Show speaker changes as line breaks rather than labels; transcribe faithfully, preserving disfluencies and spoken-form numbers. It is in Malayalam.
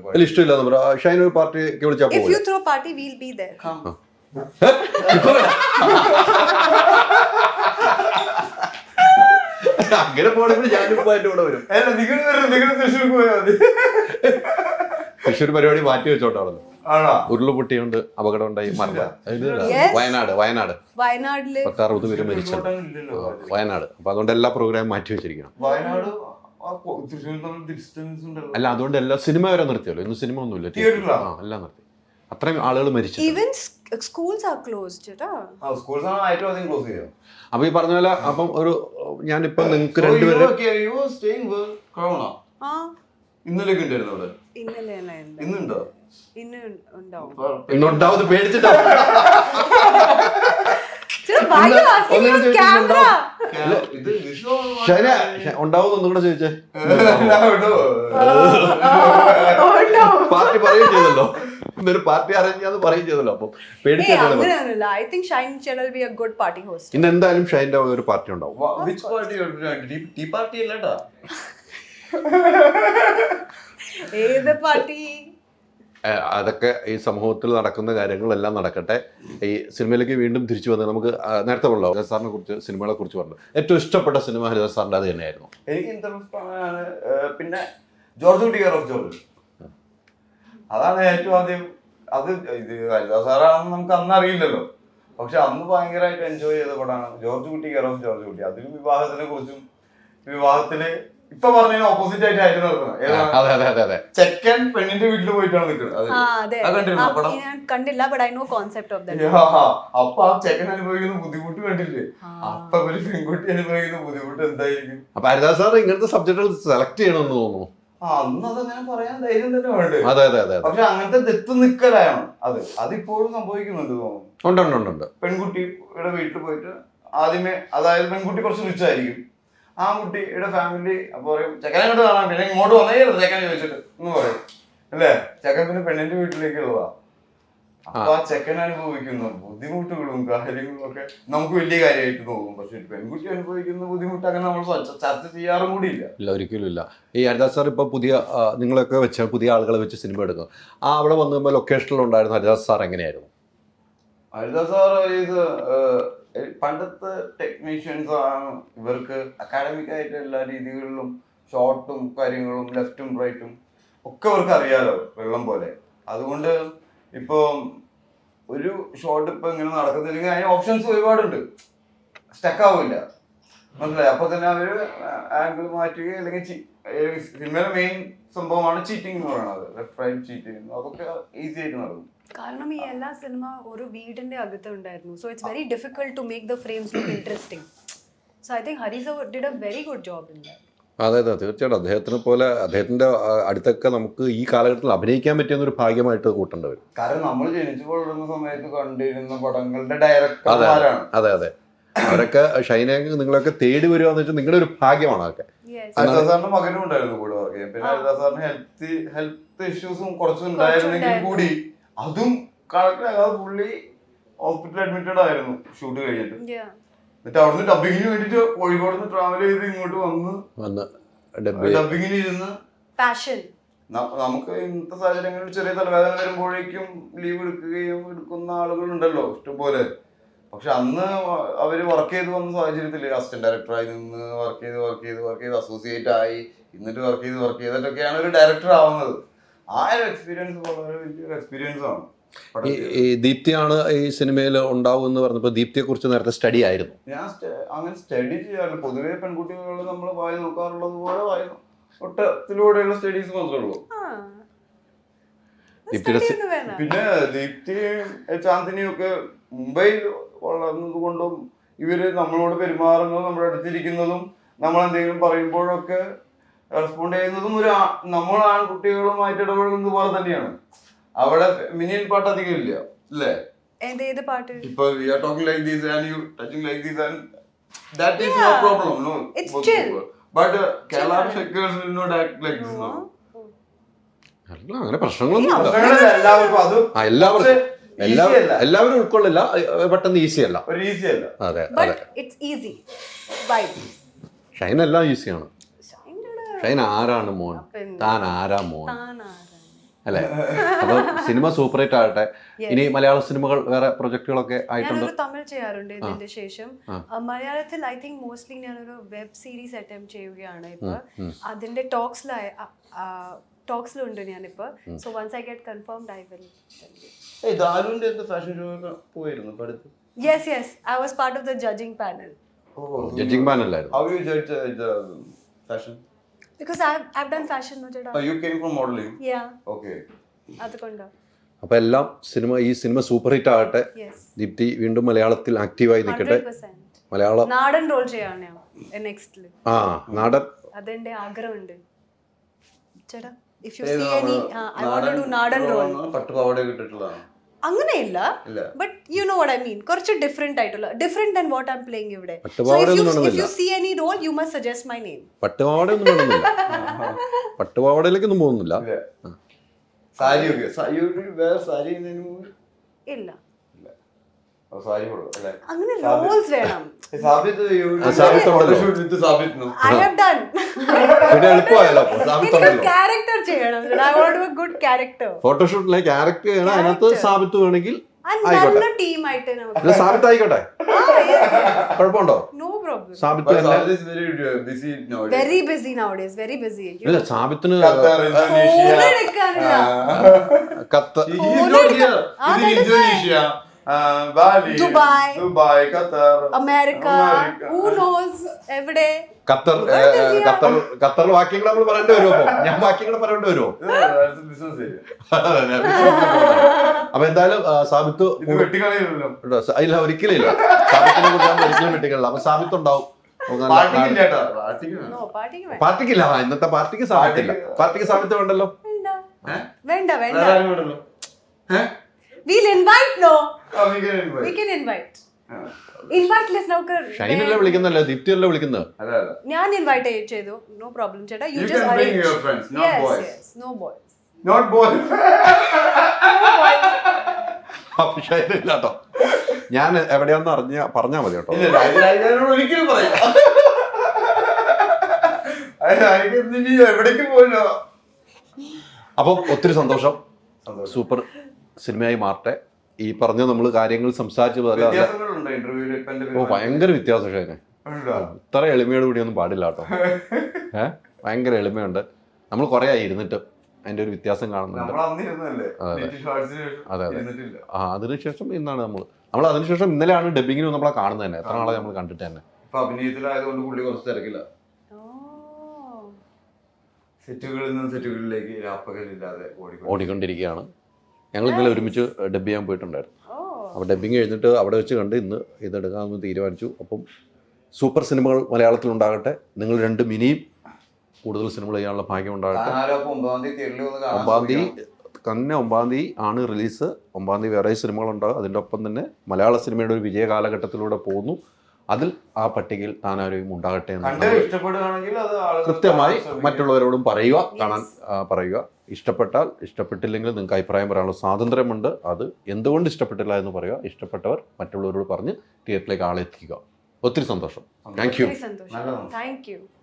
അല്ല ഇഷ്ടമില്ല പറ ഷൈൻ ഒരു പാർട്ടിക്ക് വിളിച്ചാൽ
If you throw party, we'll be there.
അങ്ങനെ പോണെങ്കിൽ ഞാനിപ്പോ അതിന്റെ കൂടെ വരും. തൃശ്ശൂർ പരിപാടി മാറ്റി വെച്ചോണ്ടാണ്. ഉരുളുപൊട്ടിയുണ്ട്, അപകടം ഉണ്ടായി, മരണം. വയനാട് വയനാട്
വയനാട്ടില്
പത്ത് അറുപത് പേര് മരിച്ചു. വയനാട്. അപ്പൊ അതുകൊണ്ട് എല്ലാ പ്രോഗ്രാമും മാറ്റി വെച്ചിരിക്കണം. അല്ല അതുകൊണ്ട് എല്ലാ സിനിമ വരെ നിർത്തിയല്ലോ. ഇന്ന് സിനിമ ഒന്നുമില്ല, എല്ലാം നിർത്തി. അത്രയും ആളുകൾ മരിച്ചു.
schools are closed.
അപ്പൊ ഈ പറഞ്ഞ പോലെ അപ്പം ഒരു ഞാനിപ്പോ നിങ്ങക്ക് രണ്ടുപേരും ഇന്നുണ്ടാവും പേടിച്ചിട്ടാ. ഉണ്ടാവും ഒന്നും കൂടെ ചോദിച്ചേ. പാർട്ടി പറയുകയും ചെയ്തല്ലോ, ഇന്നൊരു പാർട്ടി അറേഞ്ച് ചെയ്യാന്ന് പറയുകയും ചെയ്തല്ലോ. അപ്പം പേടിച്ചിട്ടാണ്. ഇന്ന് എന്തായാലും ഷൈൻ്റെ ഒരു പാർട്ടി ഉണ്ടാവും.
ഏത് പാർട്ടി?
അതൊക്കെ ഈ സമൂഹത്തിൽ നടക്കുന്ന കാര്യങ്ങളെല്ലാം നടക്കട്ടെ. ഈ സിനിമയിലേക്ക് വീണ്ടും തിരിച്ചു വന്നത് നമുക്ക് നേരത്തെ പറഞ്ഞല്ലോ ഹരിദാസ് സാറിനെ കുറിച്ച്, സിനിമകളെ കുറിച്ച് പറഞ്ഞു. ഏറ്റവും ഇഷ്ടപ്പെട്ട സിനിമ ഹരിദാസ് സാറിന്റെ അത് തന്നെയായിരുന്നു.
എനിക്ക് പിന്നെ ജോർജ് കുട്ടി കെയർ ഓഫ് ജോർജ്, അതാണ് ഏറ്റവും ആദ്യം. അത് ഇത് ഹരിദാസ് സാറാണെന്ന് നമുക്ക് അന്ന് അറിയില്ലല്ലോ, പക്ഷെ അന്ന് ഭയങ്കരമായിട്ട് എൻജോയ് ചെയ്ത പടമാണ് ജോർജ് കുട്ടി കെയർ ഓഫ് ജോർജ് കുട്ടി. അതിലും വിവാഹത്തിനെ കുറിച്ചും വിവാഹത്തില് ഇപ്പൊ പറഞ്ഞതിന് ഓപ്പോസിറ്റ് ആയിട്ട് ആയിട്ട് നടക്കുന്നത്. ചെക്കൻ പെണ്ണിന്റെ വീട്ടിൽ പോയിട്ടാണ് നിൽക്കുന്നത്.
കണ്ടില്ല,
അപ്പൊ ആ ചെക്കൻ അനുഭവിക്കുന്ന ബുദ്ധിമുട്ട് കണ്ടില്ലേ? അപ്പൊ ഒരു പെൺകുട്ടി അനുഭവിക്കുന്ന ബുദ്ധിമുട്ട് എന്തായിരിക്കും?
അപ്പൊ ഹരിദാസ് സാർ ഇങ്ങനത്തെ സബ്ജക്റ്റുകൾ സെലക്ട് ചെയ്യണമെന്ന് തോന്നുന്നു.
ആ അന്ന് അതങ്ങനെ പറയാൻ ധൈര്യം തന്നെ വേണ്ടത്. പക്ഷെ അങ്ങനത്തെ തെത്ത് നിക്കലാണ് അത്. അതിപ്പോഴും സംഭവിക്കുന്നുണ്ട് തോന്നുന്നു. പെൺകുട്ടിയുടെ വീട്ടിൽ പോയിട്ട് ആദ്യമേ, അതായത് പെൺകുട്ടി കുറച്ച് റിച്ചായിരിക്കും, ആ കുട്ടിയുടെ ഫാമിലി അപ്പൊ പറയും ചെക്കനെ അങ്ങോട്ട് കാണാൻ, പിന്നെ ഇങ്ങോട്ട് വന്നേ ചെക്കനെ ചോദിച്ചിട്ട് എന്ന് പറയും അല്ലേ? ചെക്കൻ പിന്നെ പെണ്ണിന്റെ വീട്ടിലേക്കുള്ളതാ. അപ്പൊ ആ ചെക്കൻ അനുഭവിക്കുന്ന ബുദ്ധിമുട്ടുകളും കാര്യങ്ങളും ഒക്കെ നമുക്ക് വലിയ കാര്യമായിട്ട് തോന്നും. പക്ഷെ പെൺകുട്ടി അനുഭവിക്കുന്ന ബുദ്ധിമുട്ട് അങ്ങനെ നമ്മൾ ചർച്ച ചെയ്യാറും കൂടി ഇല്ല.
ഇല്ല, ഒരിക്കലും ഇല്ല. ഈ ഹരിദാസ് സാർ ഇപ്പൊ പുതിയ നിങ്ങളൊക്കെ വെച്ച പുതിയ ആളുകളെ വെച്ച് സിനിമ എടുക്കും. ആ അവിടെ വന്നു ലൊക്കേഷനിൽ ഉണ്ടായിരുന്ന ഹരിദാസ് സാർ എങ്ങനെയായിരുന്നു?
ഹരിദാസ് സാർ ഇത് പണ്ടത്തെ ടെക്നീഷ്യൻസ് ആണ്. ഇവർക്ക് അക്കാഡമിക് ആയിട്ട് എല്ലാ രീതികളിലും ഷോർട്ടും കാര്യങ്ങളും ലെഫ്റ്റും റൈറ്റും ഒക്കെ അവർക്ക് അറിയാലോ വെള്ളം പോലെ. അതുകൊണ്ട് ഇപ്പൊ ഒരു ഷോട്ട് ഇപ്പൊ ഇങ്ങനെ നടക്കുന്നില്ലെങ്കിൽ അതിന് ഓപ്ഷൻസ് ഒരുപാടുണ്ട്, സ്റ്റക്ക് ആവില്ല, മനസ്സിലായി? അപ്പൊ തന്നെ അവര് ആംഗിൾ മാറ്റുക, അല്ലെങ്കിൽ സിനിമയിലെ മെയിൻ സംഭവമാണ് ചീറ്റിംഗ് എന്ന് പറയുന്നത്, ലെഫ്റ്റ് റൈറ്റ് ചീറ്റിംഗ്. അതൊക്കെ ഈസി ആയിട്ട് നടക്കും.
കാരണം ഈ എല്ലാ സിനിമ ഒരു വീടിന്റെ അകത്ത് ഉണ്ടായിരുന്നു. So it's very difficult to make the frames look interesting. So I think Hari sir did a very good job in that.
അതെ അതെ തീർച്ചയായിട്ടും. അദ്ദേഹത്തിനെ പോലെ അദ്ദേഹത്തിന്റെ അടുത്തൊക്കെ നമുക്ക് ഈ കാലഘട്ടത്തിൽ അഭിനയിക്കാൻ പറ്റിയെന്നൊരു ഭാഗ്യമായിട്ട് കൂട്ടേണ്ടി വരും.
കാരണം നമ്മൾ ജനിച്ചു വളരുന്ന സമയത്ത് കണ്ടിരുന്ന പടങ്ങളുടെ ഡയറക്ടർമാരാണ്.
അതെ അതെ, അവരൊക്കെ ഷൈനെ നിങ്ങളൊക്കെ തേടി വരുവാന്ന് വെച്ചാൽ നിങ്ങളുടെ ഒരു ഭാഗ്യമാണ്. അതൊക്കെ
ഹരിദാസ് സാറിന്റെ മകനും ഉണ്ടായിരുന്നു കൂടെ വർക്ക് ചെയ്യാൻ. പിന്നെ ഹരിദാസ് സാറിന് ഹെൽത്ത് ഹെൽത്ത് ഇഷ്യൂസും കുറച്ചുണ്ടായിരുന്നെങ്കിൽ കൂടി അതും കണക്കിലാകാതെ പുള്ളി ഹോസ്പിറ്റലിൽ അഡ്മിറ്റഡ് ആയിരുന്നു ഷൂട്ട് കഴിഞ്ഞിട്ട്. എന്നിട്ട് അവിടുന്ന് ഡബിങ്ങിന് വേണ്ടിട്ട് കോഴിക്കോട് നിന്ന് ട്രാവൽ ചെയ്ത് ഇങ്ങോട്ട് വന്ന് ഡബിങ്ങിന് ഇരുന്ന് നമുക്ക് ഇന്നത്തെ സാഹചര്യങ്ങളിൽ ചെറിയ തലവേദന വരുമ്പോഴേക്കും ലീവ് എടുക്കുകയും എടുക്കുന്ന ആളുകളുണ്ടല്ലോ ഇഷ്ടംപോലെ. പക്ഷെ അന്ന് അവര് വർക്ക് ചെയ്ത് വന്ന സാഹചര്യത്തില് അസിസ്റ്റന്റ് ഡയറക്ടറായി നിന്ന് വർക്ക് ചെയ്ത് വർക്ക് ചെയ്ത് വർക്ക് ചെയ്ത് അസോസിയേറ്റ് ആയി, എന്നിട്ട് വർക്ക് ചെയ്ത് വർക്ക് ചെയ്തിട്ടൊക്കെയാണ് ഒരു ഡയറക്ടർ ആവുന്നത്. ആ ഒരു എക്സ്പീരിയൻസ് വളരെ വലിയൊരു എക്സ്പീരിയൻസ് ആണ്.
ഈ ദീപ്തിയാണ് ഈ സിനിമയിൽ ഉണ്ടാവും എന്ന് പറഞ്ഞപ്പോൾ ദീപ്തിയെ കുറിച്ച് നേരത്തെ സ്റ്റഡി ആയിരുന്നു.
ഞാൻ അങ്ങനെ സ്റ്റഡി ചെയ്യാറില്ല. പൊതുവെ പെൺകുട്ടികൾ നമ്മൾ വായി നോക്കാറുള്ളത് പോലെ വായി ഒട്ടത്തിലൂടെയുള്ള സ്റ്റഡീസ് മാത്രമേ ഉള്ളൂ. പിന്നെ ദീപ്തിയും ചാന്ദിനിയും ഒക്കെ മുംബൈയിൽ വളർന്നത് കൊണ്ടും ഇവര് നമ്മളോട് പെരുമാറുന്നതും നമ്മുടെ അടുത്തിരിക്കുന്നതും നമ്മൾ എന്തെങ്കിലും പറയുമ്പോഴൊക്കെ റെസ്പോണ്ട് ചെയ്യുന്നതും ഒരു നമ്മൾ ആൺകുട്ടികളുമായിട്ട് ഇടപഴകുന്നത് പോലെ തന്നെയാണ്. അവിടെ മിനിയൻ പാട്ട് അധികം ഇല്ല അല്ലേ? ഇപ്പൊ we are talking like this and you touching like this and that is no problem, no, it's chill, but uh, Kerala shakers will not act like this, no.
അല്ല അങ്ങനെ പ്രശ്നങ്ങളൊന്നും എല്ലാവരും ഉൾക്കൊള്ളില്ല, പെട്ടെന്ന് ഈസി അല്ല. അതെ അതെ, ഷൈൻ എല്ലാം ഈസിയാണ്. ഷൈൻ ആരാണ് മോൻ, താൻ ആരാ മോൻ, അല്ലേ? അപ്പൊ സിനിമ സൂപ്പർ ഹിറ്റ് ആകട്ടെ.
Yes.
ഇനി മലയാള സിനിമകൾ വേറെ പ്രൊജക്ടുകളൊക്കെ ആയിട്ടുണ്ട്.
ഞാനൊരു തമിഴ് ചെയ്യാറുണ്ട് ഇതിന്റെ ശേഷം. ആ, മലയാളത്തിൽ ഐ തിങ്ക് മോസ്റ്റ്ലി ഞാനൊരു വെബ് സീരീസ് അറ്റംപ്റ്റ് ചെയ്യുകയാണ് ഇപ്പൊ. അതിന്റെ ടോക്സിലായ ടോക്സിലുണ്ട് ഞാനിപ്പോ. So once I get confirmed I will tell you.
ഏയ് ദാരുവിന്റെ അടുത്ത് ഫാഷൻ ഷോ പോയിരുന്നു ഇപ്പൊ അടുത്ത്.
Yes, yes. I was part of the judging panel.
Oh,
judging പാനലായിരുന്നു.
how you judge the, the fashion?
Because I've, I've done fashion, no cheda.
Oh, you came from modeling.
Yeah.
Okay.
അതുകൊണ്ടാ.
അപ്പൊ എല്ലാം സിനിമ ഈ സിനിമ സൂപ്പർ ഹിറ്റ് ആകട്ടെ.
Yes.
ദീപ്തി വീണ്ടും മലയാളത്തിൽ ആക്റ്റീവായി നിൽക്കട്ടെ.
one hundred percent.
മലയാളം
നാടൻ റോൾ ചെയ്യാണ് ഞാൻ നെക്സ്റ്റില്.
ആ നാടൻ
അതെന്റെ ആഗ്രഹമുണ്ട് ചേട്ടാ. If you see any I want to do nadan role.
പട്ടുപാവാട കിട്ടിട്ടുള്ളതാണ്.
അങ്ങനെയില്ല,
ഇല്ല.
But you know what I mean. കുറച്ച് ഡിഫറെന്റ് ആയിട്ടുള്ള different than what I am playing ഇവിടെ. സോ
പട്ടുപാവാട
ഇഫ് യു
ഒന്നും
if you see any role you must suggest my name.
പട്ടുപാവാടയൊന്നും വേണമെന്നില്ല. പട്ടുപാവാടയിലേക്കൊന്നും പോകുന്നില്ല.
സാരി ഒക്കെ you wear sari in any movie?
ഇല്ല,
സാരി കൊടുക്കും അല്ലേ?
അങ്ങനെ റോൾസ് വേണം.
സാബിത്ത്
സാബിത്ത് ഉണ്ടല്ലോ.
Shoot with Sabith no.
I have done.
പിന്നെ എളുപ്പമായല്ലോ. അപ്പൊ സാബിത്തുണ്ടല്ലോ.
ക്യാരക്ടർ ചെയ്യണം. I want to good character.
ഫോട്ടോഷൂട്ടിലെ ക്യാരക്ടർ ചെയ്യണം. അതിനകത്ത് സാബിത്ത് വേണമെങ്കിൽ
നല്ല ടീമായിട്ട് നമുക്ക്.
ഇത് സാബിത്ത് ആയിക്കോട്ടെ. കുഴപ്പമുണ്ടോ?
No problem.
സാബിത്ത് തന്നെ
Sabit is very uh, busy nowadays.
Very busy nowadays. Very busy.
ഇല്ല സാബിത്തിന്
Qatar, Indonesia.
ഫോൺ എടുക്കാനില്ല.
കത്ത്
He is not here. He's in Indonesia, uh, Bali,
Dubai.
Dubai, Qatar,
America.
America.
Who knows? എവിടെ?
ഖത്തർ ഖത്തർ ഖത്തറിൽ വാക്യങ്ങൾ നമ്മൾ പറയേണ്ടി വരുമോ? ഞാൻ വാക്യങ്ങൾ പറയേണ്ടി വരുമോ?
Yeah, that's a business area.
അപ്പൊ എന്തായാലും ആ, സാബിത്ത്
ഇത് വെട്ടിക്കളയുമല്ലോ.
ഉണ്ടോ? സ- ഇല്ല ഒരിക്കലും ഇല്ല. സാബിത്തിനെ കുറിച്ച് നമ്മൾ ഒരിക്കലും വെട്ടിക്കളില്ല. അപ്പൊ സാബിത്ത് ഉണ്ടാവും. നമുക്ക് നല്ല-
പാർട്ടിക്കില്ല കേട്ടോ, പാർട്ടിക്ക് വേണം.
നോ പാർട്ടിക്ക് വേണ്ട.
പാർട്ടിക്കില്ല. ആ, ഇന്നത്തെ പാർട്ടിക്ക് സാബിത്തില്ല. പാർട്ടിക്ക് സാബിത്ത് വേണ്ടല്ലോ.
വേണ്ട
ഏ?
വേണ്ട വേണ്ട.
വേറെ ആരും വേണ്ടല്ലോ. ഏ?
We'll invite no.
ആ, we can invite.
We can invite.
ആ.
Invite list നമുക്ക്.
ഷൈനല്ലേ വിളിക്കുന്നല്ലേ? ദീപ്തിയല്ലേ വിളിക്കുന്നത്?
അല്ല, അല്ല.
ഞാൻ ഇൻവൈറ്റ് ചെയ്തു. നോ പ്രോബ്ലം ചേട്ടാ. You
You
just
can bring
arrange.
your friends, not
Yes,
boys.
yes. No boys.
Not boys.
അപ്പൊ ഷൈന ഇല്ല കേട്ടോ. ഞാൻ എവിടെയാന്ന് അറിഞ്ഞ പറഞ്ഞാ മതി കേട്ടോ.
ഇല്ല, ഇല്ല, ഇത് അതിനോട് ഒരിക്കലും പറയാം. അത് അതിന് ഇനി എവിടേക്ക് പോയില്ലോ.
അപ്പം ഒത്തിരി സന്തോഷം.
സന്തോഷം.
സൂപ്പർ സിനിമയായി മാറട്ടെ. ഈ പറഞ്ഞ നമ്മൾ കാര്യങ്ങൾ സംസാരിച്ചു
വ്യത്യാസങ്ങളുണ്ടോ ഇന്റർവ്യൂവിൽ? ഇപ്പൊ എന്റെ
ഓ ഭയങ്കര വ്യത്യാസം ഷൈനെ.
ഉണ്ടോ?
ഇത്ര എളിമയോട് കൂടിയൊന്നും പാടില്ല കേട്ടോ. ഏഹ് ഭയങ്കര എളിമയുണ്ട്. നമ്മൾ കുറെ ആയി ഇരുന്നിട്ട് അതിന്റെ ഒരു വ്യത്യാസം കാണുന്നുണ്ട്.
നമ്മൾ അന്ന് ഇരുന്നല്ലേ? നെറ്റ് ഷോർട്സിന്
അതെ അതെ.
ഇരുന്നിട്ടില്ല.
ആ അതിനുശേഷം ഇന്നാണ് നമ്മൾ നമ്മൾ അതിനുശേഷം ഇന്നലെയാണ് ഡബിങ്ങിന് നമ്മളെ കാണുന്നത് തന്നെ. എത്ര നാളെ നമ്മൾ കണ്ടിട്ട് തന്നെ.
ഇപ്പൊ അഭിനയത്തിലായതുകൊണ്ട് പുള്ളി കുറച്ച് തിരക്കില്ല.
Oh.
സെറ്റുകളിൽ നിന്ന് സെറ്റുകളിലേക്ക് രാപ്പകലില്ലാതെ ഓടിക്കൊണ്ട്
ഓടിക്കൊണ്ടിരിക്കുകയാണ്. ഞങ്ങൾ ഇന്നലെ ഒരുമിച്ച് ഡബ് ചെയ്യാൻ പോയിട്ടുണ്ടായിരുന്നു.
Oh.
അപ്പോൾ ഡബിങ് കഴിഞ്ഞിട്ട് അവിടെ വെച്ച് കണ്ട് ഇന്ന് ഇതെടുക്കാമെന്ന് തീരുമാനിച്ചു. അപ്പം സൂപ്പർ സിനിമകൾ മലയാളത്തിൽ ഉണ്ടാകട്ടെ. നിങ്ങൾ രണ്ട് മിനിയും കൂടുതൽ സിനിമകൾ ചെയ്യാനുള്ള ഭാഗ്യം ഉണ്ടാകട്ടെ.
താനാലപ്പോ ഒമ്പതാം തീയതി തിരളിൽ ഒന്ന് കാണാൻ
ഒമ്പതാം തീയതി
ശ്രമിക്കണം.
തന്നെ ഒമ്പതാം തീയതി ആണ് റിലീസ്. ഒമ്പതാം തീയതി വേറെ സിനിമകളുണ്ടാകും. അതിൻ്റെ ഒപ്പം തന്നെ മലയാള സിനിമയുടെ ഒരു വിജയ കാലഘട്ടത്തിലൂടെ പോകുന്നു. അതിൽ ആ പട്ടികയിൽ താനാരും ഉണ്ടാകട്ടെ എന്ന്
കണ്ട് ഇഷ്ടപ്പെടുകയാണെങ്കിൽ അത് ആളുകൾ
കൃത്യമായി
കാണാൻ ശ്രമിക്കും.
മറ്റുള്ളവരോടും പറയുക, കാണാൻ ആ, പറയുക. ഇഷ്ടപ്പെട്ടാൽ ഇഷ്ടപ്പെട്ടില്ലെങ്കിൽ നിങ്ങൾക്ക് അഭിപ്രായം പറയാനുള്ള സ്വാതന്ത്ര്യമുണ്ട്. അത് എന്തുകൊണ്ട് ഇഷ്ടപ്പെട്ടില്ല എന്ന് പറയുക. ഇഷ്ടപ്പെട്ടവർ മറ്റുള്ളവരോട് പറഞ്ഞ് തിയേറ്ററിലേക്ക് ആളെത്തിക്കുക. ഒത്തിരി സന്തോഷം. Thank you.
Very സന്തോഷം.
നല്ലതാണ്.
Thank you.